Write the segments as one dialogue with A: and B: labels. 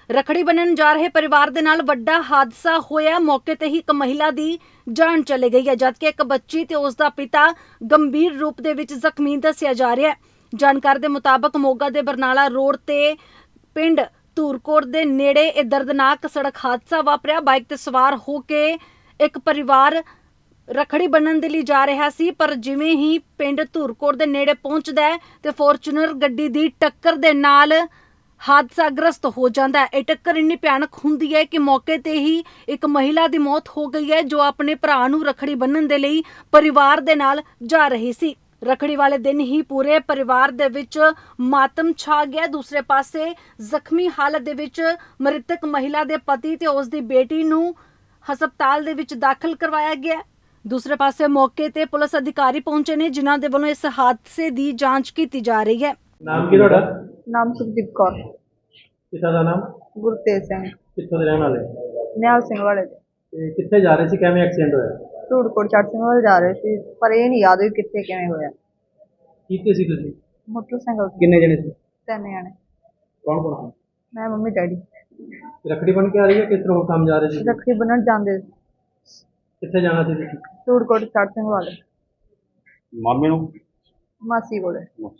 A: रखड़ी बन्नण जा रहे परिवार दे नाल वड्डा हादसा होया। मौके ते ही एक महिला दी जान चली गई है, जबकि एक बच्ची ते उसदा पिता गंभीर रूप दे विच जख्मी दस्सिया जा रहा है। जानकारी दे मुताबक मोगा दे बरनाला रोड ते पिंड धूरकोट दे नेड़े एक दर्दनाक सड़क हादसा वापरिया। बाइक ते सवार हो के एक परिवार रखड़ी बन्नण दे लई जा रहा सी, पर जिवें ही पिंड धूरकोट दे नेड़े पहुंचदा है ते फॉर्चूनर गड्डी दी टक्कर दे नाल हादसाग्रस्त हो जाता है। यह टक्कर इन्नी भयानक हुंदी है कि मौके ते ही एक महिला दी मौत हो गई है, जो अपने भरा नूं रखड़ी बन्नण दे लई परिवार दे नाल जा रही सी। रखड़ी वाले दिन ही पूरे परिवार दे विच मातम छा गया। दूसरे पासे जख्मी हालत दे विच मृतक महिला दे पति ते उसदी बेटी नूं हस्पताल दे विच दाखल करवाया गया। दूसरे पासे मौके ते पुलिस अधिकारी पहुंचे ने, जिन्हां दे वल्लों इस हादसे दी जांच कीती जा रही है।
B: नाम की ਤੁਹਾਡਾ?
C: नाम सुखदीप कौर।
B: पिता ਦਾ ਨਾਮ?
C: गुरतेज सिंह।
B: ਕਿੱਥੋਂ ਦੇ ਰਹਿਣ ਵਾਲੇ?
C: ਨਿਹਾਲ ਸਿੰਘ ਵਾਲੇ ਦੇ।
B: ਤੇ ਕਿੱਥੇ ਜਾ ਰਹੇ ਸੀ, ਕਿਵੇਂ ਐਕਸੀਡੈਂਟ ਹੋਇਆ?
C: ਧੂੜਕੋਟ ਚੜ੍ਹ ਸਿੰਘ ਵਾਲੇ ਜਾ ਰਹੇ ਸੀ, ਪਰ ਇਹ ਨਹੀਂ ਯਾਦ ਵੀ ਕਿੱਥੇ ਕਿਵੇਂ ਹੋਇਆ।
B: ਕਿੱਥੇ ਸੀ ਤੁਸੀਂ?
C: ਮੋਟਰਸਾਈਕਲ ਤੇ।
B: ਕਿੰਨੇ ਜਣੇ ਸੀ?
C: 3 ਜਣੇ।
B: ਕੌਣ ਕੌਣ?
C: ਮੈਂ ਮੰਮੀ ਡੈਡੀ।
B: ਰੱਖੜੀ ਬਣ ਕੇ ਆ ਰਹੀ ਹੈ, ਕਿਸ ਤਰ੍ਹਾਂ ਕੰਮ ਜਾ ਰਹੇ ਸੀ?
C: ਰੱਖੜੀ ਬੰਨ੍ਹਣ ਜਾਂਦੇ ਸੀ।
B: ਕਿੱਥੇ ਜਾਣਾ ਸੀ ਤੁਸੀਂ?
C: ਧੂੜਕੋਟ ਚੜ੍ਹ ਸਿੰਘ ਵਾਲੇ।
B: ਮਾਮੇ ਨੂੰ?
C: ਮਾਸੀ ਕੋਲੇ।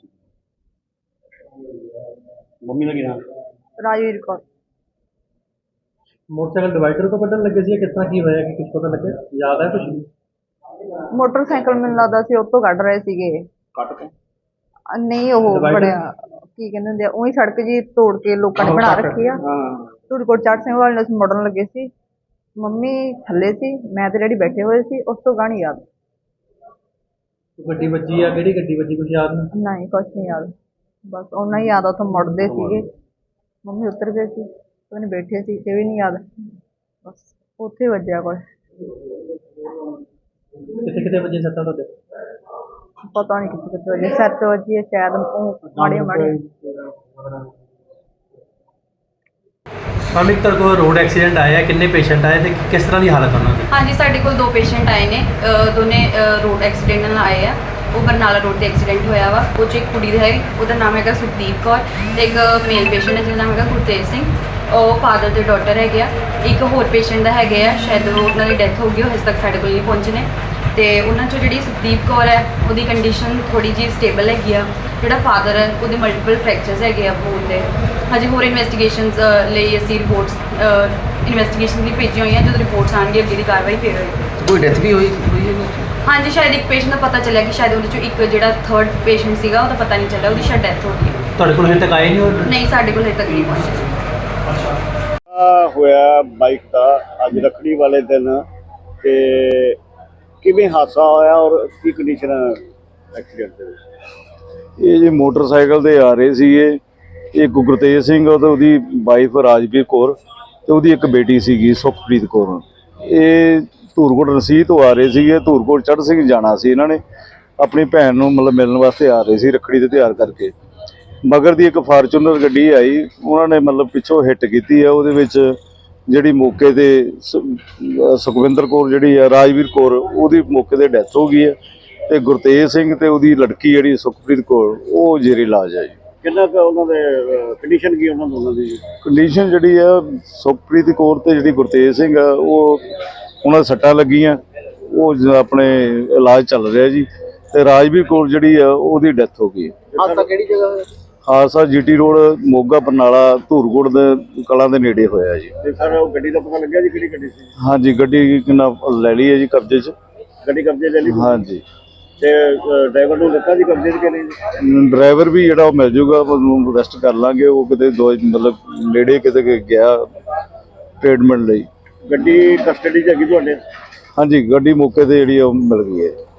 B: ਮੰਮੀ ਦਾ ਕੀ ਨਾਮ?
C: ਰਾਜਵੀਰ ਕੌਰ।
B: ਮੋਟਰਸਾਈਕਲ ਡਿਵਾਈਡਰ ਤੋਂ ਕੱਢਣ ਲੱਗੇ ਸੀ, ਕਿਸ ਤਰ੍ਹਾਂ ਕੀ ਹੋਇਆ ਕਿ ਕੁਝ ਪਤਾ ਲੱਗਿਆ? ਯਾਦ ਹੈ ਕੁਝ?
C: ਮੋਟਰਸਾਈਕਲ ਮੈਨੂੰ ਲੱਗਦਾ ਸੀ ਉਹ ਤੋਂ ਕੱਢ ਰਹੇ ਸੀਗੇ।
B: ਕੱਟ ਕੇ?
C: ਨਹੀਂ ਉਹ ਬੜਿਆ ਕੀ ਕਹਿੰਦੇ ਹੁੰਦੇ ਆ, ਉਹੀ ਸੜਕ ਜੀ ਤੋੜ ਕੇ ਲੋਕਾਂ ਨੇ ਬਣਾ ਰੱਖੀ ਆ। ਧੂੜਕੋਟ ਚੜ੍ਹ ਸਿੰਘ ਵਾਲੇ ਨੂੰ ਅਸੀਂ ਮੁੜਨ ਲੱਗੇ ਸੀ, ਮੰਮੀ ਥੱਲੇ ਸੀ, ਮੈਂ ਤੇ ਡੈਡੀ ਬੈਠੇ ਹੋਏ ਸੀ। ਉਸ ਤੋਂ ਗਾਣੀ ਯਾਦ
B: ਗੱਡੀ ਵੱਜੀ ਆ? ਕਿਹੜੀ ਗੱਡੀ ਵੱਜੀ ਕੁਝ ਯਾਦ ਨਹੀਂ?
C: ਨਹੀਂ, ਕੁਛ ਨਹੀਂ ਯਾਦ। ਬਸ ਉਹਨਾਂ ਹੀ ਯਾਦ ਆ, ਉੱਥੋਂ ਮੁੜਦੇ ਸੀਗੇ, ਮੰਮੀ ਉਤਰ ਗਏ ਸੀ, ਉਹਨੇ ਬੈਠੇ ਸੀ, ਇਹ ਵੀ ਨਹੀਂ ਯਾਦ। ਬਸ ਉੱਥੇ ਵੱਜਿਆ ਕੁਛ।
B: ਕਿੱਥੇ ਕਿੱਥੇ ਵੱਜੇ ਸੱਟਾਂ ਤੁਹਾਡੇ?
C: ਪਤਾ ਨਹੀਂ ਕਿੱਥੇ ਕਿੱਥੇ ਵੱਜੇ, ਸਿਰ 'ਚ ਵੱਜੀ ਹੈ ਸ਼ਾਇਦ, ਉਹ ਮਾੜੀਆਂ ਮਾੜੀਆਂ।
B: ਕੱਲ੍ਹ ਇੱਕ ਤੁਹਾਡੇ ਕੋਲ ਰੋਡ ਐਕਸੀਡੈਂਟ ਆਇਆ, ਕਿੰਨੇ ਪੇਸ਼ੈਂਟ ਆਏ ਤੇ ਕਿਸ ਤਰ੍ਹਾਂ ਦੀ ਹਾਲਤ ਉਹਨਾਂ ਦੀ?
D: ਹਾਂਜੀ, ਸਾਡੇ ਕੋਲ 2 ਪੇਸ਼ੈਂਟ ਆਏ ਨੇ, ਦੋਨੇ ਰੋਡ ਐਕਸੀਡੈਂਟ ਨਾਲ ਆਏ ਆ। ਉਹ ਬਰਨਾਲਾ ਰੋਡ ਤੇ ਐਕਸੀਡੈਂਟ ਹੋਇਆ ਵਾ। ਉਹ 'ਚ ਇੱਕ ਕੁੜੀ ਦਾ ਹੈ, ਉਹਦਾ ਨਾਮ ਹੈਗਾ ਸੁਖਦੀਪ ਕੌਰ, ਤੇ ਇੱਕ ਮੇਲ ਪੇਸ਼ੈਂਟ ਹੈ ਜਿਹਦਾ ਨਾਮ ਹੈਗਾ ਗੁਰਤੇਜ ਸਿੰਘ। ਉਹ ਫਾਦਰ ਤੇ ਡਾਟਰ ਹੈਗੇ ਆ। ਇੱਕ ਹੋਰ ਪੇਸ਼ੈਂਟ ਦਾ ਹੈਗੇ ਆ, ਸ਼ਾਇਦ ਉਹਨਾਂ ਦੀ ਡੈਥ ਹੋ ਗਈ, ਉਹ ਹਜੇ ਤੱਕ ਸਾਡੇ ਕੋਲ ਨਹੀਂ ਪਹੁੰਚੇ ਨੇ। ਤੇ ਉਹਨਾਂ 'ਚੋਂ ਜਿਹੜੀ ਸੁਖਦੀਪ ਕੌਰ ਹੈ, ਉਹਦੀ ਕੰਡੀਸ਼ਨ ਥੋੜ੍ਹੀ ਜਿਹੀ ਸਟੇਬਲ ਹੈਗੀ ਆ। ਜਿਹੜਾ ਫਾਦਰ ਹੈ, ਉਹਦੇ ਮਲਟੀਪਲ ਫ੍ਰੈਕਚਰਸ ਹੈਗੇ ਆ ਬੋਨ ਦੇ। ਹਜੇ ਹੋਰ ਇਨਵੈਸਟੀਗੇਸ਼ਨਸ ਲਈ ਅਸੀਂ ਰਿਪੋਰਟਸ ਇਨਵੈਸਟੀਗੇਸ਼ਨ ਲਈ ਭੇਜੀਆਂ ਹੋਈਆਂ। ਜਦੋਂ ਰਿਪੋਰਟਸ ਆਉਣਗੇ ਅੱਗੇ ਦੀ ਕਾਰਵਾਈ ਫਿਰ ਹੋਏਗੀ।
B: ਕੋਈ ਡੈਥ ਵੀ ਹੋਈ ਹੈ?
D: ਹਾਂਜੀ, ਸ਼ਾਇਦ ਇੱਕ ਪੇਸ਼ੈਂਟ ਦਾ ਪਤਾ ਚੱਲਿਆ ਕਿ ਸ਼ਾਇਦ ਉਹਦੇ 'ਚੋਂ ਇੱਕ ਜਿਹੜਾ 3rd ਪੇਸ਼ੈਂਟ ਸੀਗਾ, ਉਹਦਾ ਪਤਾ ਨਹੀਂ ਚੱਲਿਆ, ਉਹਦੀ ਸ਼ਾਇਦ ਡੈਥ ਹੋ ਗਈ ਹੈ।
B: ਤੁਹਾਡੇ ਕੋਲ ਹਜੇ ਤੱਕ ਆਏ ਨਹੀਂ?
D: ਨਹੀਂ, ਸਾਡੇ ਕੋਲ ਹਜੇ ਤੱਕ ਨਹੀਂ ਪਹੁੰਚੇ।
E: ਹੋਇਆ ਬਾਈਕ ਦਾ ਅੱਜ ਰੱਖੜੀ ਵਾਲੇ ਦਿਨ, ਤੇ ਕਿਵੇਂ ਹਾਦਸਾ ਹੋਇਆ ਔਰ ਕੀ ਕੰਡੀਸ਼ਨ ਐਕਸੀਡੈਂਟ ਦੇ ਵਿੱਚ?
F: ਇਹ ਜੀ ਮੋਟਰਸਾਈਕਲ ਤੇ ਆ ਰਹੇ ਸੀਗੇ, ਇੱਕ ਗੁਰਤੇਜ ਸਿੰਘ ਤੇ ਉਹਦੀ ਵਾਈਫ ਰਾਜਵੀਰ ਕੌਰ ਤੇ ਉਹਦੀ ਇੱਕ ਬੇਟੀ ਸੀਗੀ ਸੁਖਪ੍ਰੀਤ ਕੌਰ। ਇਹ ਧੂਰਕੋਟ ਰਸੀਦ ਤੋਂ ਆ ਰਹੇ ਸੀਗੇ, ਧੂਰਕੋਟ ਚੜ੍ਹ ਸਿੰਘ ਜਾਣਾ ਸੀ। ਇਹਨਾਂ ਨੇ ਆਪਣੀ ਭੈਣ ਨੂੰ ਮਤਲਬ ਮਿਲਣ ਵਾਸਤੇ ਆ ਰਹੇ ਸੀ ਰੱਖੜੀ ਤੇ ਤਿਆਰ ਕਰਕੇ। ਮਗਰ ਦੀ ਇੱਕ ਫਾਰਚੂਨਰ ਗੱਡੀ ਆਈ, ਉਹਨਾਂ ਨੇ ਮਤਲਬ ਪਿੱਛੋਂ ਹਿੱਟ ਕੀਤੀ ਆ। ਉਹਦੇ ਵਿੱਚ ਜਿਹੜੀ ਮੌਕੇ ਤੇ ਸੁਖਵਿੰਦਰ ਕੌਰ ਜਿਹੜੀ ਆ, ਰਾਜਵੀਰ ਕੌਰ, ਉਹਦੀ ਮੌਕੇ ਤੇ ਡੈਥ ਹੋ ਗਈ ਹੈ, ਤੇ ਗੁਰਤੇਜ ਸਿੰਘ ਤੇ ਉਹਦੀ ਲੜਕੀ ਜਿਹੜੀ ਸੁਖਪ੍ਰੀਤ ਕੌਰ, ਉਹ ਜ਼ੇਰੇ ਇਲਾਜ ਆ ਜੀ।
E: ਕਿੰਨਾ ਕੁ ਉਹਨਾਂ ਦੇ ਕੰਡੀਸ਼ਨ ਕੀ ਉਹਨਾਂ ਦੋਨਾਂ ਦੀ?
F: ਕੰਡੀਸ਼ਨ ਜਿਹੜੀ ਆ ਸੁਖਪ੍ਰੀਤ ਕੌਰ ਤੇ ਜਿਹੜੀ ਗੁਰਤੇਜ ਸਿੰਘ ਆ, ਉਹ ਉਹਨਾਂ ਦੇ ਸੱਟਾਂ ਲੱਗੀਆਂ, ਉਹ ਆਪਣੇ ਇਲਾਜ ਚੱਲ ਰਿਹਾ ਜੀ। ਤੇ ਰਾਜਵੀਰ ਕੌਰ ਜਿਹੜੀ ਆ, ਉਹਦੀ ਡੈਥ ਹੋ ਗਈ।
B: ਹਾਦਸਾ ਕਿਹੜੀ ਜਗ੍ਹਾ ਹੋਇਆ?
F: ਹਾਦਸਾ GT ਰੋਡ ਮੋਗਾ ਬਰਨਾਲਾ ਧੂਰਕੋਟ ਦੇ ਕਲਾਂ ਦੇ ਨੇੜੇ ਹੋਇਆ ਜੀ।
E: ਤੇ ਸਰ ਉਹ ਗੱਡੀ ਦਾ ਪਤਾ ਲੱਗਿਆ ਜੀ ਕਿਹੜੀ ਗੱਡੀ ਸੀ?
F: ਹਾਂਜੀ, ਗੱਡੀ ਕਿੰਨਾ ਲੈ ਲਈ ਹੈ ਜੀ ਕਬਜ਼ੇ 'ਚ।
E: ਗੱਡੀ ਕਬਜ਼ੇ ਲੈ ਲਈ?
F: ਹਾਂਜੀ।
E: ਤੇ ਡਰਾਈਵਰ ਨੂੰ ਦਿੱਤਾ ਜੀ ਕਬਜ਼ੇ 'ਚ ਕਿ ਨਹੀਂ?
F: ਡਰਾਈਵਰ ਵੀ ਜਿਹੜਾ ਉਹ ਮਿਲ ਜੂਗਾ, ਉਹਨੂੰ ਅਰੈਸਟ ਕਰ ਲਾਂਗੇ। ਉਹ ਕਿਤੇ ਮਤਲਬ ਨੇੜੇ ਕਿਤੇ ਗਿਆ ਟ੍ਰੀਟਮੈਂਟ ਲਈ।
E: ਗੱਡੀ ਕਸਟਡੀ 'ਚ ਹੈਗੀ ਤੁਹਾਡੇ?
F: ਹਾਂਜੀ, ਗੱਡੀ ਮੌਕੇ ਤੇ ਜਿਹੜੀ ਉਹ ਮਿਲ ਗਈ ਹੈ।